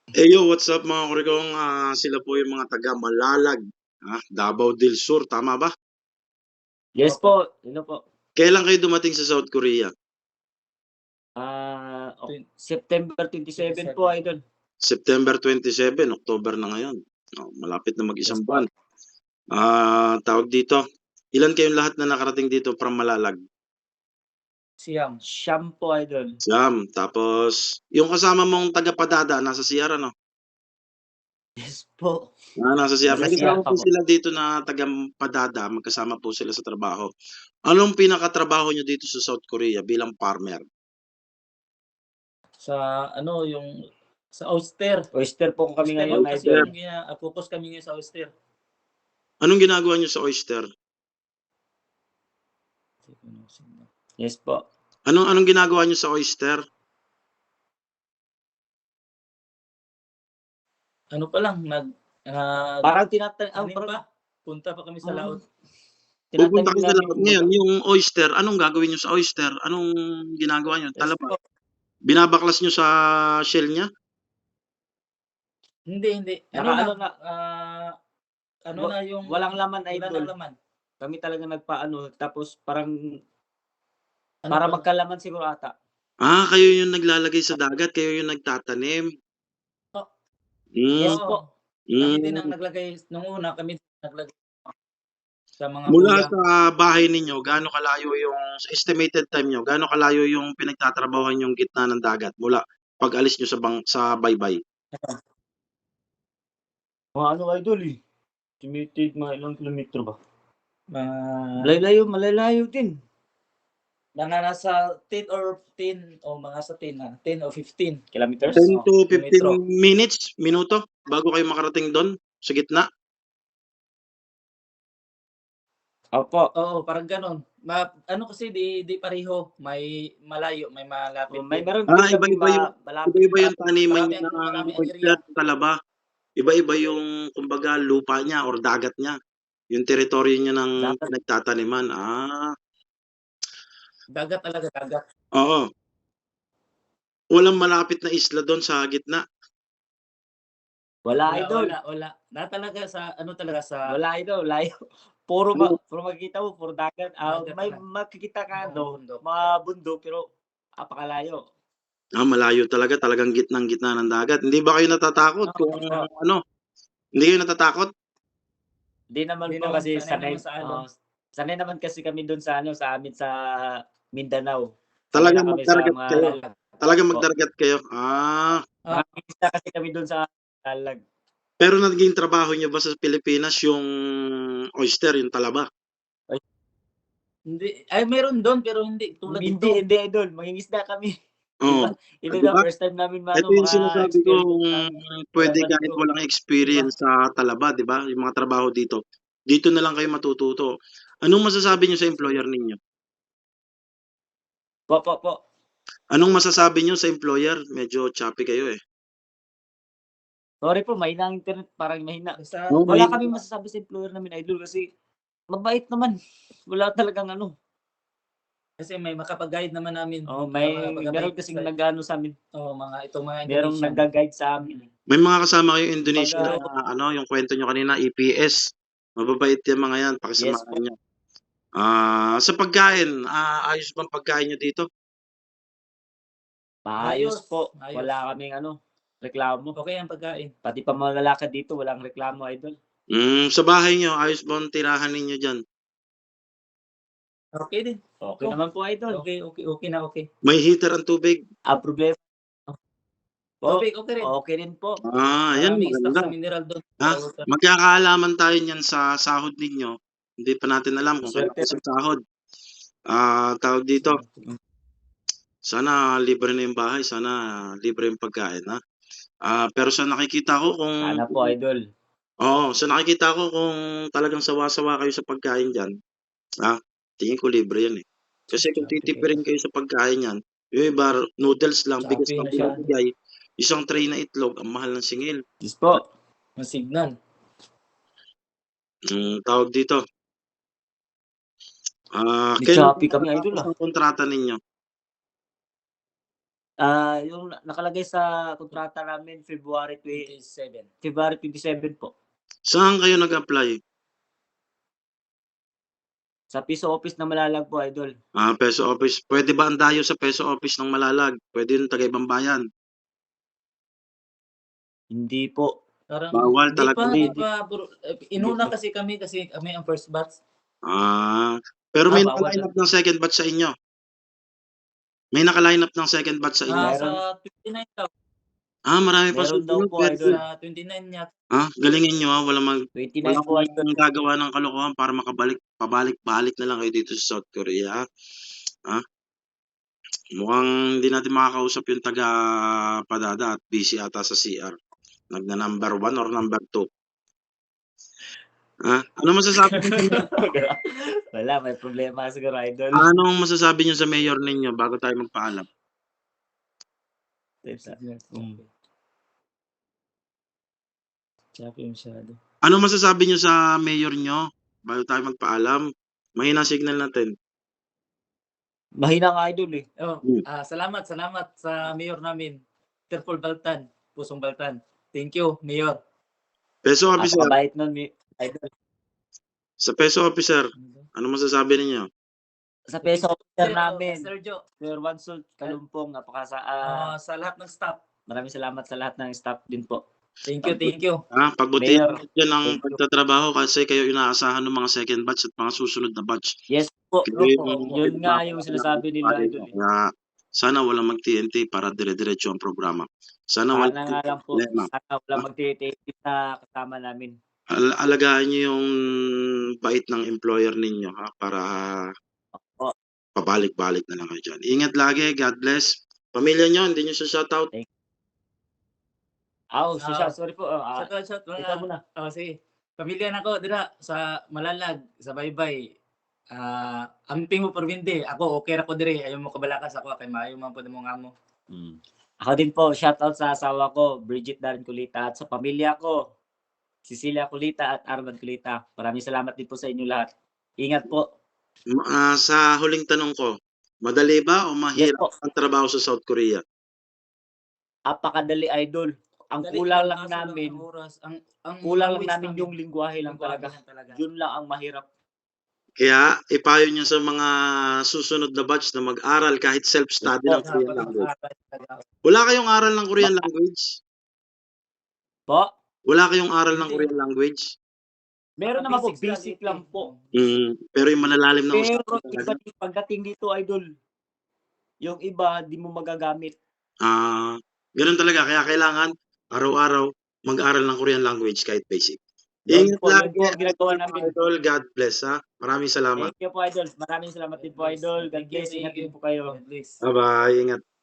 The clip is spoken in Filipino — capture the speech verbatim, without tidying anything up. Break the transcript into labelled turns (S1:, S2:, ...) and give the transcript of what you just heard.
S1: Eh, yo, what's up mga kurigong, ah, sila po yung mga taga Malalag, ah, Davao del Sur, tama ba?
S2: Yes po, ano po.
S1: Kailan kayo dumating sa South Korea?
S2: Ah, ok September twenty-seven po, idol.
S1: September twenty-seven, October na ngayon. Oh, malapit na
S2: Yes
S1: mag-isang
S2: po.
S1: buwan. Ah, tawag dito, ilan kayong lahat na nakarating dito from Malalag?
S2: Siyam. Siyam po, idol.
S1: Siyam. Tapos, yung kasama mong taga Padada, nasa C R ano?
S2: Yes po.
S1: Ah, nasa C R.
S2: Nasa
S1: May
S2: C R
S1: kasama
S2: pa
S1: po
S2: po.
S1: sila dito na taga Padada, magkasama po sila sa trabaho. Anong pinakatrabaho nyo dito sa South Korea bilang farmer?
S3: Sa ano, yung sa oyster.
S2: Oyster po kami
S3: Oyster
S2: ngayon,
S3: po kasi
S2: idol.
S3: yung gina ah, focus kami ngayon sa oyster.
S1: Anong ginagawa nyo sa oyster?
S2: Yes po.
S1: Anong anong ginagawa nyo sa oyster?
S3: Ano pa lang, nag ah,
S2: Parang tinata ah,
S3: ano
S2: parang
S3: pa, punta pa kami sa
S2: Ah.
S3: laot.
S1: Pupunta
S2: tinatanim
S1: kayo sa
S2: namin
S1: laot
S2: kumbaga.
S1: ngayon, yung oyster, anong gagawin nyo sa oyster? Anong ginagawa nyo?
S3: Yes
S1: Talaba?
S3: po.
S1: Binabaklas nyo sa shell niya?
S3: Hindi, hindi. Ano
S2: Naka
S3: na,
S2: ano na,
S3: ah, ano
S2: wa
S3: na yung
S2: walang laman,
S3: wala
S2: idol.
S3: nang laman.
S2: Kami talaga nagpaano, tapos parang
S3: Ano
S2: para
S3: pa?
S2: magkalaman siguro ata.
S1: Ah, kayo yung naglalagay sa dagat, kayo yung nagtatanim.
S3: Oh,
S1: Hmm,
S3: yes
S2: Yes
S3: po.
S2: po.
S3: Kami din ang
S1: hmm.
S3: naglagay nung una, kami din naglagay sa mga
S1: Mula
S3: buyang.
S1: sa bahay ninyo, gaano kalayo yung sa estimated time nyo, gaano kalayo yung pinagtatrabahuhan yung gitna ng dagat mula pag-alis nyo sa bang sa baybay?
S2: Mga ano, idol, eh, estimated mga ilang kilometro ba?
S3: Mga
S2: Malalayo, malalayo din.
S3: mga nasa ten or ten o mga sa ten na, ten o fifteen
S2: Kilometers?
S1: ten
S3: oh,
S1: to fifteen
S3: kilometro.
S1: minutes, minuto, bago kayo makarating do'n sa gitna?
S2: Opo.
S3: Oo, parang gano'n. Ma ano kasi di di pareho, may malayo, may malapit
S2: Oh, may
S3: din.
S2: meron
S1: Ah,
S2: din kaming
S1: iba-iba yung
S2: ma malapit.
S1: iba-iba yung taniman
S3: Marami
S1: niya
S3: ang marami
S1: ng
S3: ang
S1: oyster,
S3: area.
S1: talaba. Iba-iba yung kumbaga lupa niya or dagat niya, yung teritoryo niya ng
S2: Dagat.
S1: pinagtataniman. Ah,
S3: Dagat talaga, dagat.
S1: oo. Walang malapit na isla do'n sa gitna?
S2: Wala,
S3: Wala,
S2: idol.
S3: wala, wala. Na talaga sa ano talaga sa
S2: Wala, idol, layo. Puro ba
S1: Ano,
S2: puro makikita mo puro dagat. Ah,
S3: dagat
S2: may
S3: lang.
S2: makikita ka
S3: Mga
S2: ano,
S3: bundok.
S2: mga bundok pero napakalayo.
S1: ah, malayo talaga, talagang gitnang-gitna ng dagat. Hindi ba kayo natatakot
S3: Oo,
S1: kung
S3: oo.
S1: ano, hindi kayo natatakot?
S2: Hindi naman
S3: Hindi
S2: po
S3: naman,
S2: kasi
S3: sanay
S2: sanay
S3: naman sa ano.
S2: oo, sanay naman kasi kami dun sa ano, sa amin sa Mindanao. Sanay na
S1: Talagang
S2: kami sa
S1: magdaragat
S2: mga
S1: kayo?
S2: lalag
S1: Talagang
S2: po.
S1: magdaragat kayo? Ah,
S3: Ah,
S2: Mangingisda kasi kami dun sa lalag.
S1: pero naging trabaho niyo ba sa Pilipinas yung oyster, yung talaba?
S2: Ay,
S3: hindi ay meron do'n pero hindi tulad
S2: hindi,
S3: dito.
S2: hindi, idol, mangingisda kami.
S1: Oo,
S2: Iba
S1: ah,
S2: iba
S1: 'di
S2: na
S1: ba?
S2: first time namin
S1: Ito
S2: maano,
S1: yung sinasabi ko,
S2: maka-experience
S1: kung
S2: ng
S1: puwede
S2: talaba
S1: kahit
S2: dito.
S1: walang
S3: Iba.
S1: experience sa talaba, 'di ba, yung mga trabaho dito, dito na lang kayo matututo. Anong masasabi niyo sa employer ninyo?
S2: Po, po, po.
S1: Anong masasabi niyo sa employer? Medyo choppy kayo, eh.
S2: Sorry po, mahina ang internet, parang mahina.
S3: Basta
S1: Oo,
S2: Wala
S1: mahina.
S2: kaming masasabi sa employer namin, idol, kasi mabait naman. Wala talagang ano.
S3: kasi may makapag-guide naman namin,
S2: Oh,
S3: mga
S2: may
S3: makapag-guide
S2: meron kasing
S3: sa
S2: nag-aano sa'min,
S3: oo, mga itong mga
S2: merong
S3: Indonesian.
S2: nagga-guide sa amin.
S1: May mga kasama kayong Indonesian
S2: Kumbaga
S1: na ano, yung kwento niyo kanina, E P S. Mababait yang mga 'yan,
S2: yes
S1: pakisamahan
S2: po.
S1: niyo. Ah, sa pagkain, ah, ayos bang pagkain niyo dito?
S2: Maayos
S3: Ayos,
S2: po,
S3: ayos.
S2: wala kaming ano, reklamo.
S3: Okey ang pagkain.
S2: Pati pa mga lalakad dito walang reklamo, idol.
S1: Hmm, sa bahay niyo, ayos ba ang tirahan ninyo diyan?
S3: Okey din.
S2: Okay
S3: Oh,
S2: naman po, idol.
S3: okey, okey, okey na okey.
S1: May heater ang tubig?
S2: Ang problema po,
S3: Tubig okey rin.
S2: okay rin po.
S1: Ah, ayan
S3: Maraming stock
S1: maganda.
S3: sa mineral do'n.
S1: Ah, magkakaalaman tayo niyan sa sahod ninyo. Hindi pa natin alam kung kailan
S2: Swerte
S1: kayo sasahod. Ah, tawag dito, sana libre na yung bahay, sana libre yung pagkain, ha? Ah, pero sa nakikita ko kung
S2: sana po, idol.
S1: oo, sa nakikita ko kung talagang sawa-sawa kayo sa pagkain diyan, ah, tingin ko libre 'yan, eh. Kasi kung
S3: Shopee kayo.
S1: titipirin kayo sa pagkain niyan, yung iba noodles lang, bigas
S3: Shopee
S1: lang
S3: na siya.
S1: binibigay, isang tray na itlog, ang mahal ng singil.
S2: Yes po.
S3: Masignan.
S1: Hmm, tawag dito, ah,
S2: May
S1: kailan po
S2: Shopee kami, idol,
S1: matatapos
S2: ah.
S1: ang kontrata ninyo?
S2: Ah, yung na- nakalagay sa kontrata namin February twe
S3: twenty-seven.
S2: February twenty-seven po.
S1: Saan kayo nag-apply?
S2: Sa Piso Office ng Malalag po, idol.
S1: Ah, Peso Office. Pwede ba ang dayo sa Peso Office ng Malalag? Pwede yung taga ibang bayan.
S2: Hindi po.
S3: Parang
S1: Bawal
S3: di
S1: talaga.
S3: pa, di
S2: Hindi.
S3: pa, bro. Eh, Inuna kasi kami kasi kami ang first batch.
S1: Ah, pero
S2: Ah,
S1: may
S2: bawal.
S1: naka-line up ng second batch sa inyo. May naka-line up ng second batch sa inyo.
S3: Ah,
S2: Meron.
S3: sa twenty-nine daw.
S1: Ah, marami pa
S2: Meron daw
S1: susunod.
S2: po,
S1: Very
S2: idol.
S1: good.
S3: Sa twenty-nine niya.
S1: Ah, galingin nyo ah. Walang mag
S2: twenty-nine
S1: walang
S2: po, idol.
S1: gagawa ng kalokohan para makabalik, pabalik-balik na lang kayo dito sa South Korea. Ah, mukhang hindi natin makakausap yung taga Padada at busy ata sa C R. Nagna number one or number two. Ah, ano masasabi niyo?
S2: Wala, may problema siguro, idol.
S1: Anong masasabi niyo sa mayor ninyo bago tayo magpaalam?
S2: Mm. Sabi masyado.
S1: Ano masasabi niyo sa mayor niyo bago tayo magpaalam? Mahina signal natin.
S2: Mahina nga, idol eh.
S3: Oh,
S1: Hmm.
S3: ah, salamat, salamat sa mayor namin. Terpol Baltan, Pusong Baltan. Thank you, mayor.
S1: Peso officer,
S2: Napakabait nun, mi- idol.
S1: sa peso officer, ano masasabi ninyo?
S2: Sa peso officer
S3: Sir,
S2: namin,
S3: Sergio,
S2: Sir Wansult Kalumpong, napaka sa, ah,
S3: ah, sa lahat ng staff.
S2: maraming salamat sa lahat ng staff din po.
S3: Thank you, thank you.
S1: Ah, pagbutihan
S2: Mayor,
S1: niyo ang
S2: thank you.
S1: pagtatrabaho kasi kayo inaasahan ng mga second batch at mga susunod na batch.
S2: Yes po.
S1: Kayo
S3: Opo,
S2: Yun nga yung sinasabi nila, idol. eh.
S1: Kaya sana walang mag-T N T para dire-diretso ang programa. Sana
S2: Sana
S1: walang
S2: nga lang po,
S1: problema.
S2: sana wala magtitipid na kasama namin.
S1: Al- alagaan niyo yung bait ng employer ninyo ha para
S2: Opo.
S1: pabalik-balik na lang kayo dyan. Ingat lagi, God bless. Pamilya niyo, hindi niyo siya shoutout.
S2: Aw, so,
S3: Ah,
S2: sorry po. ah,
S3: Shout out, shout out.
S2: ikaw muna.
S3: Oh, sige. Pamilya na ko dira sa Malalag, sa Baybay. Ah, amping mo Purwindi. Ako okay ra ko diri. Ayaw mo kabalakas ako kay maayo man pud mo ngamo.
S2: Mm. Ako din po, shoutout sa asawa ko, Bridget Darren Kulita, at sa pamilya ko, Cecilia Kulita at Arman Kulita. Maraming salamat din po sa inyo lahat. Ingat po.
S1: Ma- ah, sa huling tanong ko, madali ba o
S2: Yes
S1: mahirap
S2: po.
S1: ang trabaho sa South Korea?
S2: Apakadali, idol. Ang
S3: Dali,
S2: kulang
S3: kaso
S2: lang namin,
S3: ang oras, ang ang
S2: kulang lang
S3: language
S2: namin yung lingwahe lang
S3: lingwahe
S2: talaga.
S3: lang talaga.
S2: Yun lang ang mahirap.
S1: Kaya ipayo niyo sa mga susunod na batch na mag-aral kahit self-study ng Korean language. Wala kayong aral ng Korean language?
S2: Po,
S1: Wala kayong aral ng
S3: Hindi.
S1: Korean language?
S2: meron naman po,
S3: Basics lang,
S2: basic
S3: eh.
S2: lang po.
S1: Mm, pero yung malalalim na
S2: Pero
S1: usapan
S2: iba
S1: talaga.
S2: din pagdating dito, idol, yung iba, di mo magagamit.
S1: Ah, ganun talaga. Kaya kailangan araw-araw mag-aral ng Korean language kahit basic.
S2: Yun
S1: Ingat
S2: po, yun
S1: lagi.
S2: po ang ginagawa namin.
S1: Idol, God bless ha. Maraming salamat.
S2: Thank you po, idol. Maraming salamat din po, idol. God bless. Ingat din po kayo.
S3: At least.
S1: Bye-bye. Ingat.